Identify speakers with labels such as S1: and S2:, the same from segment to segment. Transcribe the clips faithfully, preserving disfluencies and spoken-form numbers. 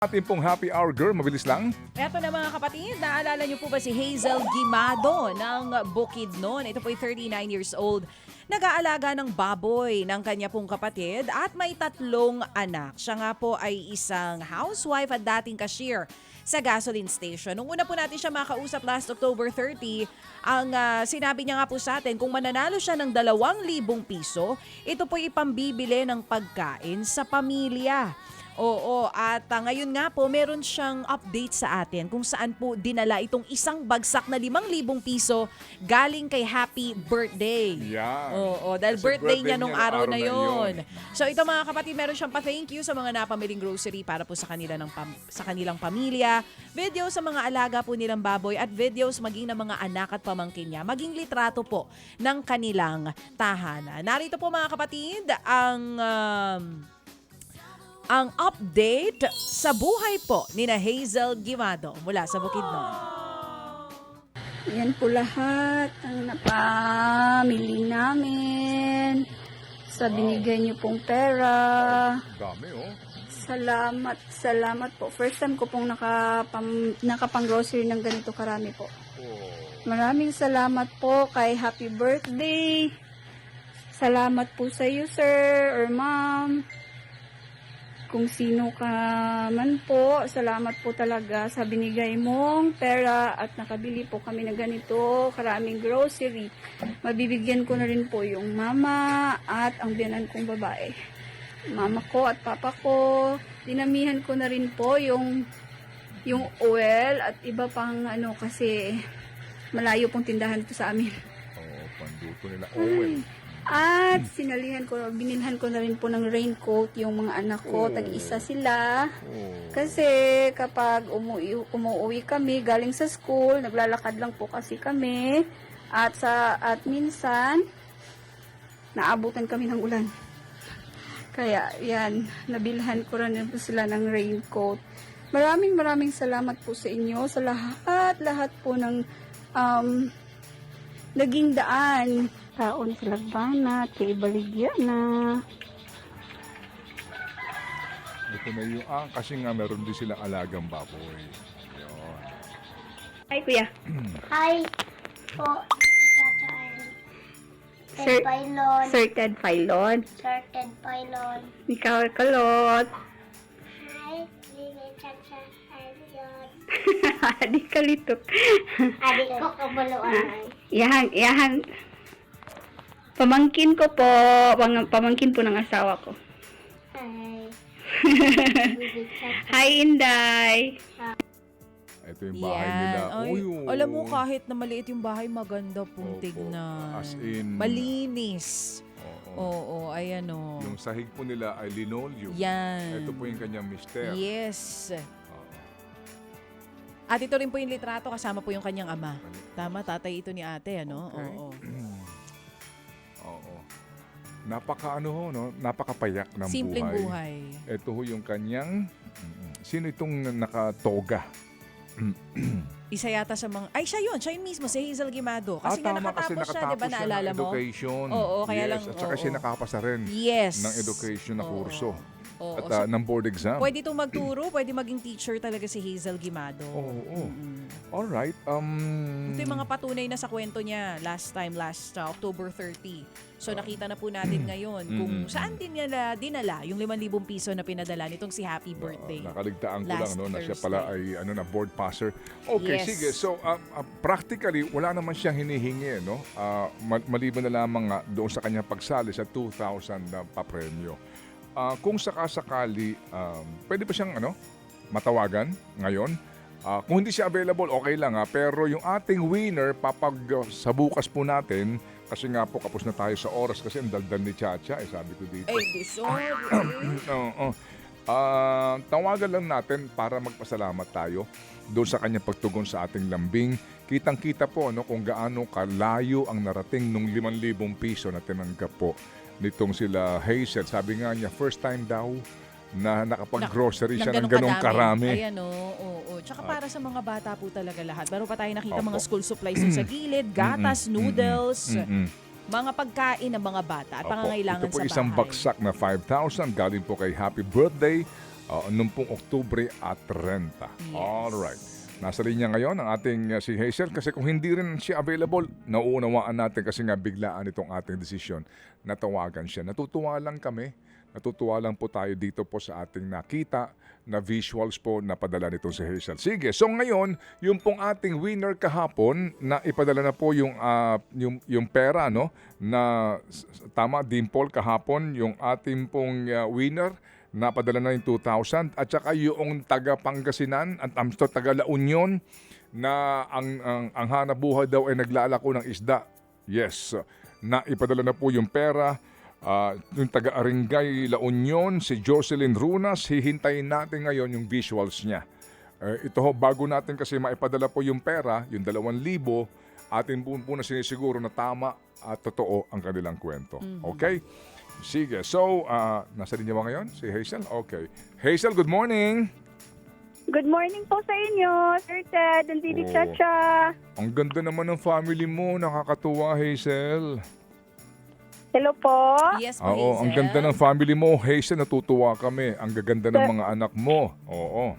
S1: Ating pong happy hour girl, mabilis lang.
S2: Eto na mga kapatid, naalala niyo po ba si Hazel Guimado ng Bukidnon? Ito po ay thirty-nine years old. Nag-aalaga ng baboy ng kanya pong kapatid at may tatlong anak. Siya nga po ay isang housewife at dating cashier sa gasoline station. Nung una po natin siya makausap last October thirty, ang uh, sinabi niya nga po sa atin, kung mananalo siya ng dalawang libong piso, ito po ipambibili ng pagkain sa pamilya. Oo, at uh, ngayon nga po, meron siyang update sa atin kung saan po dinala itong isang bagsak na limang libong piso galing kay Happy Birthday.
S1: Yeah.
S2: Oo, dahil
S1: Kasi
S2: birthday,
S1: birthday
S2: niya nung
S1: niya
S2: araw,
S1: araw
S2: na
S1: na
S2: yon.
S1: yun.
S2: So ito mga kapatid, meron siyang pa-thank you sa mga napamiling grocery para po sa kanila ng pam- sa kanilang pamilya, video sa mga alaga po nilang baboy at videos maging ng mga anak at pamangkin niya, maging litrato po ng kanilang tahanan. Narito po mga kapatid ang um, ang update sa buhay po ni na Hazel Guimado mula sa Bukidnon.
S3: Yan po lahat ang napamili namin sa binigay niyo pong pera.
S1: Dami oh.
S3: Salamat, salamat po. First time ko pong nakapam, nakapang-grocery ng ganito karami po.
S1: Oh.
S3: Maraming salamat po kay Happy Birthday. Salamat po sa iyo, sir or ma'am. Kung sino ka man po, salamat po talaga sa binigay mong pera at nakabili po kami ng ganito, karaming grocery. Mabibigyan ko na rin po yung mama at ang biyanan kong babae. Mama ko at papa ko, dinamihan ko na rin po yung yung oil at iba pang ano kasi malayo pong tindahan po sa amin.
S1: Oh, panduto nila oil.
S3: At sinalihan ko, binilhan ko na rin po ng raincoat yung mga anak ko,
S1: Oh.
S3: tag-isa sila.
S1: Oh.
S3: Kasi kapag umuwi, umuwi kami galing sa school, naglalakad lang po kasi kami. At sa at minsan naabutan kami ng ulan. Kaya yan, nabilhan ko rin po sila ng raincoat. Maraming maraming salamat po sa inyo, sa lahat, lahat po ng um, naging daan. Taon sa Lagbana, kay Baligya na.
S1: Ito na yung, ah, kasi nga meron din silang alagang baboy. Yun.
S3: Hi, kuya.
S4: Hi po, Tata
S3: Sir-
S4: Ted Pailon.
S3: Sir Ted Pailon.
S4: Sir Ted Pailon.
S3: Ikaw, Kalot.
S4: Hi, Lili Chacha Arion.
S3: Di kalitok.
S4: Adik ko kabuluan.
S3: Yahan, yahan. Pamangkin ko po, pang, pamangkin po ng asawa ko.
S4: Hi. Lili Chacha.
S3: Hi, Inday.
S1: Ito yung bahay nila.
S2: Ay,
S1: Uy, oh.
S2: alam mo kahit na maliit yung bahay, maganda pong
S1: Opo.
S2: tignan.
S1: As in,
S2: Malinis.
S1: Oo.
S2: Oo, ayan o.
S1: Yung sahig po nila ay linoleum.
S2: Yan.
S1: Ito po yung kanyang mister.
S2: Yes.
S1: Oo.
S2: At ito rin po yung litrato, kasama po yung kanyang ama. Tama, tatay ito ni ate, ano?
S1: Okay.
S2: Oo.
S1: Oo. Napaka ano ho, no? Napakapayak ng
S2: Simpleng
S1: buhay.
S2: buhay.
S1: Ito ho yung kanyang, mm, sino itong nakatoga?
S2: Isa yata sa mga, ay siya yun, siya yun mismo, si Hazel Guimado. Kasi
S1: Ah,
S2: nga
S1: tama, kasi
S2: nakatapos siya, di ba,
S1: nakatapos siya
S2: naalala
S1: ng
S2: mo?
S1: education.
S2: Oo, kaya
S1: yes,
S2: lang,
S1: at saka
S2: oo.
S1: siya nakapasa rin
S2: Yes.
S1: ng education na
S2: Oo.
S1: kurso.
S2: Oo.
S1: At
S2: So,
S1: ah, ng board exam.
S2: pwede itong magturo, pwede maging teacher talaga si Hazel Guimado.
S1: Oo, oo.
S2: Mm-mm.
S1: Alright. Um,
S2: Ito yung mga patunay na sa kwento niya last time, last uh, October thirty. So nakita na po natin ngayon kung
S1: Mm-mm.
S2: saan din niya dinala yung limang libong piso na pinadala nitong si Happy Birthday.
S1: Uh, nakaligtaan ko lang
S2: last
S1: no, na siya
S2: Thursday.
S1: pala ay ano na board passer. Okay,
S2: Yes.
S1: sige. So um, uh, practically wala naman siyang hinihingi no. Uh, ma- maliban na lamang nga doon sa kanyang pagsali sa two thousand na papremyo. Uh, kung sakasakali um, pwede ba siyang ano matawagan ngayon? Uh, kung hindi siya available, okay lang ha. Pero yung ating winner, papag uh, sa bukas po natin, kasi nga po kapos na tayo sa oras kasi ang daldal ni Chacha, eh sabi ko dito.
S2: Ay, di sorry.
S1: Oo. Ah, tawagan lang natin para magpasalamat tayo doon sa kanyang pagtugon sa ating lambing. Kitang-kita po no, kung gaano kalayo ang narating nung limang libong piso na tinanggap po nitong sila Hazel. Sabi nga niya, first time daw na nakapag-grocery siya ng ganong karami.
S2: Ayan o, oo, oo. Tsaka para sa mga bata po talaga lahat. Meron pa tayo nakita
S1: Opo.
S2: mga school supplies dun sa gilid, gatas,
S1: Mm-mm,
S2: noodles,
S1: mm-mm.
S2: mga pagkain ng mga bata at
S1: Opo.
S2: pangangailangan
S1: Ito po
S2: sa
S1: isang
S2: bahay.
S1: baksak na five thousand galing po kay Happy Birthday. Oo, nung pong Oktubre at thirty.
S2: Yes.
S1: Alright. Nasa linya ngayon ang ating uh, si Hazel kasi kung hindi rin siya available, nauunawaan natin kasi nga biglaan itong ating desisyon na tawagan siya. Natutuwa lang kami, natutuwa lang po tayo dito po sa ating nakita na visuals po na padala nito si Hazel. Sige, so ngayon, yung pong ating winner kahapon na ipadala na po yung, uh, yung, yung pera, no? Na tama, Dimple, kahapon, yung ating pong uh, winner, napadala na yung two thousand at saka yung taga Pangasinan at um, taga La Union na ang, ang, ang hanap buhay daw ay naglalako ng isda. Yes, na ipadala na po yung pera. Uh, yung taga Aringay La Union, si Jocelyn Runas, hihintayin natin ngayon yung visuals niya. Uh, ito ho, bago natin kasi maipadala po yung pera, yung dalawang libo, atin po, po na sinisiguro na tama at totoo ang kanilang kwento.
S2: Mm-hmm.
S1: Okay? Sige. So, uh, nasa linya ba ngayon? Si Hazel? Okay. Hazel, good morning!
S3: Good morning po sa inyo, Sir Ted and Didi
S1: Oh.
S3: Chacha.
S1: Ang ganda naman ng family mo. Nakakatuwa, Hazel.
S3: Hello po.
S2: Yes po,
S1: Oo,
S2: Hazel.
S1: ang ganda ng family mo. Hazel, natutuwa kami. Ang gaganda ng mga anak mo. Oo.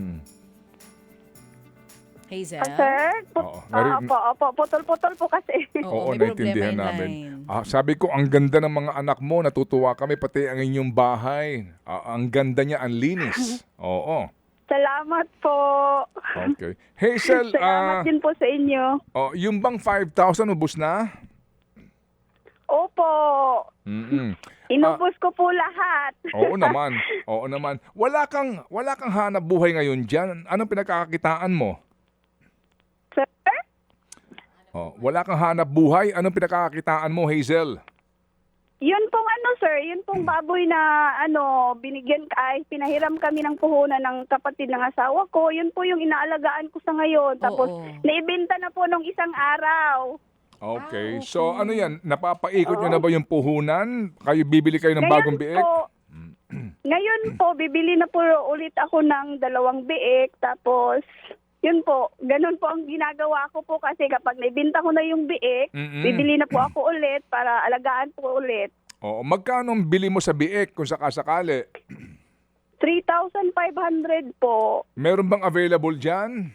S2: Hazel?
S3: Ah, sir? Put-
S1: Oo.
S3: ah,
S1: Nari-
S3: opo, opo. Putol-putol po kasi.
S1: Oo,
S2: may
S1: naintindihan
S2: problema yung
S1: namin.
S2: line.
S1: Ah, sabi ko, ang ganda ng mga anak mo. Natutuwa kami, pati ang inyong bahay. Ah, ang ganda niya, ang linis. Oo.
S3: Salamat po.
S1: Okay. Hazel, ah,
S3: Salamat din po sa inyo.
S1: oh, yung bang five thousand ubos na?
S3: Opo.
S1: Mm-mm.
S3: Inubos ko po lahat.
S1: Oo naman. Oo naman. Wala kang wala kang hanap buhay ngayon diyan. Anong pinagkakakitaan mo?
S3: Sir?
S1: Oh, wala kang hanap buhay. Anong pinagkakakitaan mo, Hazel?
S3: Yun pong ano, sir, yun pong baboy na ano, binigyan ka, ay pinahiram kami ng puhunan ng kapatid ng asawa ko. Yun po yung inaalagaan ko sa ngayon. Tapos,
S2: Oo.
S3: naibenta na po nung isang araw.
S1: Okay.
S2: Ah, okay.
S1: So ano yan? Napapaikot nyo na ba yung puhunan? Kayo bibili kayo ng bagong biik?
S3: Po, ngayon po, bibili na po ulit ako ng dalawang biik. Tapos, yun po, ganun po ang ginagawa ko po kasi kapag naibenta ko na yung biik,
S1: Mm-mm.
S3: bibili na po ako ulit para alagaan po ulit.
S1: Oo, magkano ang bili mo sa biik kung sakasakali?
S3: three thousand five hundred po.
S1: Meron bang available diyan?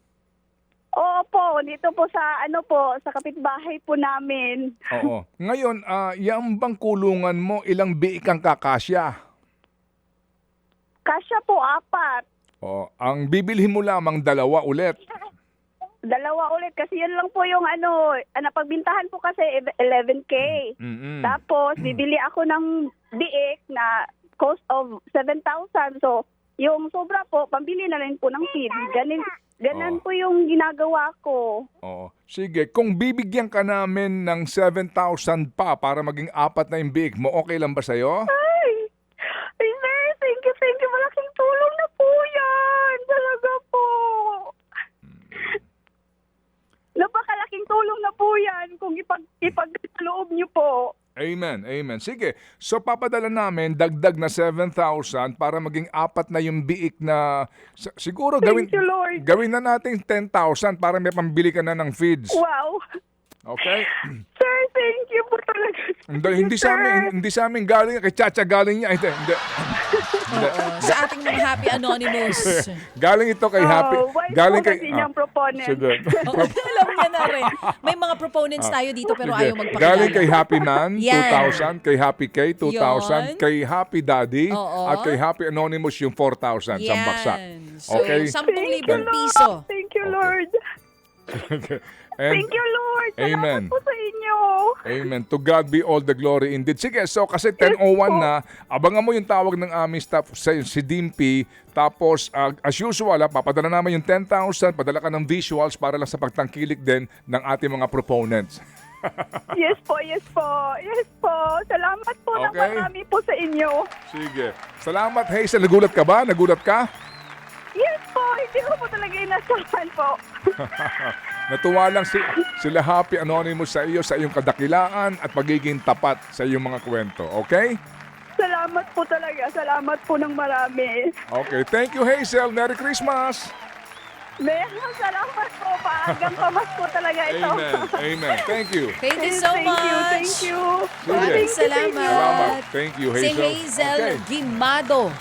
S3: Oo po, dito po sa ano po, sa kapitbahay po namin.
S1: Oo. Ngayon, ah, yung bang kulungan mo, ilang biik ang kakasya?
S3: Kasya po, apat.
S1: Oo. Ang bibilhin mo lamang dalawa ulit.
S3: Dalawa ulit kasi yun lang po yung ano, ah, napagbintahan po kasi eleven K.
S1: Mm-mm.
S3: Tapos, bibili ako ng biik na cost of seven thousand. So, yung sobra po, pambili na rin po ng feed. Ganin, ganan
S1: Oo.
S3: po yung ginagawa ko.
S1: Oo. Sige, kung bibigyan ka namin ng seven thousand pa para maging apat na yung biik mo, okay lang ba sa'yo?
S3: Ay! Ay, sir, thank you, thank you. Malaking tulong na po yan. Talaga po. Napakalaking tulong na po yan kung ipag, ipag-loob niyo po.
S1: Amen, amen. Sige, so papadala namin dagdag na seven thousand para maging apat na yung biik na s- siguro gawin,
S3: Thank you, Lord.
S1: gawin na natin ten thousand para may pambili ka na ng feeds.
S3: Wow.
S1: Okay?
S3: Sir, thank you po talaga.
S1: Hindi, hindi sa amin, hindi sa amin galing, kay Chacha galing niya. Hindi, hindi. Hindi.
S2: Oo, sa ating mga Happy Anonymous.
S1: Galing ito kay Happy.
S3: Oh, wise
S1: Galing
S3: po
S1: kay
S3: kasi niyang proponent.
S1: Sige.
S2: Oo, alam niya na rin. May mga proponents tayo dito pero
S1: Sige.
S2: ayaw magpakilala.
S1: Galing kay Happy Man,
S2: Yan.
S1: two thousand. Kay Happy K, two thousand.
S2: Yun.
S1: Kay Happy Daddy.
S2: Oo.
S1: At kay Happy Anonymous, yung four thousand. Sa baksak.
S2: So,
S1: Okay?
S2: sampung
S3: Thank you,
S2: libong
S3: Lord.
S2: piso.
S3: Thank you,
S1: Okay.
S3: Lord.
S1: And,
S3: Thank you, Lord. Salamat
S1: Amen.
S3: po sa inyo.
S1: Amen. To God be all the glory indeed. Sige, so kasi ten oh one na, abangan mo yung tawag ng aming staff sa si Dimpy. Tapos, uh, as usual, ah, papadala naman yung ten thousand, padala ka ng visuals para lang sa pagtangkilik din ng ating mga proponents.
S3: Yes po, yes po. Yes po. Salamat po ng
S1: Okay.
S3: marami po sa inyo.
S1: Sige. Salamat, Hazel. Nagulat ka ba? Nagulat ka?
S3: Yes po. Hindi ko po talaga inasahan po.
S1: Natuwa lang si, sila Happy Anonymous sa iyo, sa iyong kadakilaan at pagiging tapat sa iyong mga kwento. Okay?
S3: Salamat po talaga. Salamat po ng marami.
S1: Okay. Thank you, Hazel. Merry Christmas.
S3: Meron salamat po. Paagang pamasko talaga ito.
S1: Amen. Amen. Thank you.
S2: Thank you so
S3: thank
S2: much.
S3: you, thank you.
S1: Sige.
S2: Maraming salamat.
S1: Salamat. Thank you,
S2: Si
S1: Hazel.
S2: Hazel
S1: Okay.
S2: Gimado.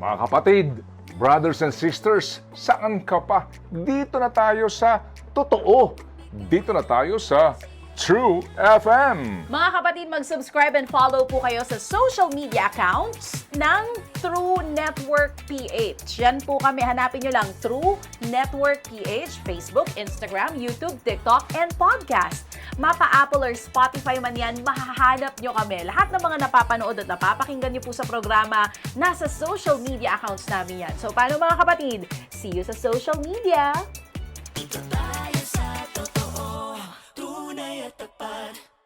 S1: Mga kapatid, brothers and sisters, saan ka pa? Dito na tayo sa totoo. Dito na tayo sa True F M.
S2: Mga kapatid, mag-subscribe and follow po kayo sa social media accounts ng True Network P H. Yan po kami. Hanapin nyo lang True Network P H, Facebook, Instagram, YouTube, TikTok, and podcast. Mapa Apple or Spotify man yan, mahahanap nyo kami. Lahat ng mga napapanood at napapakinggan nyo po sa programa, nasa social media accounts namin yan. So, paano mga kapatid? See you sa social media!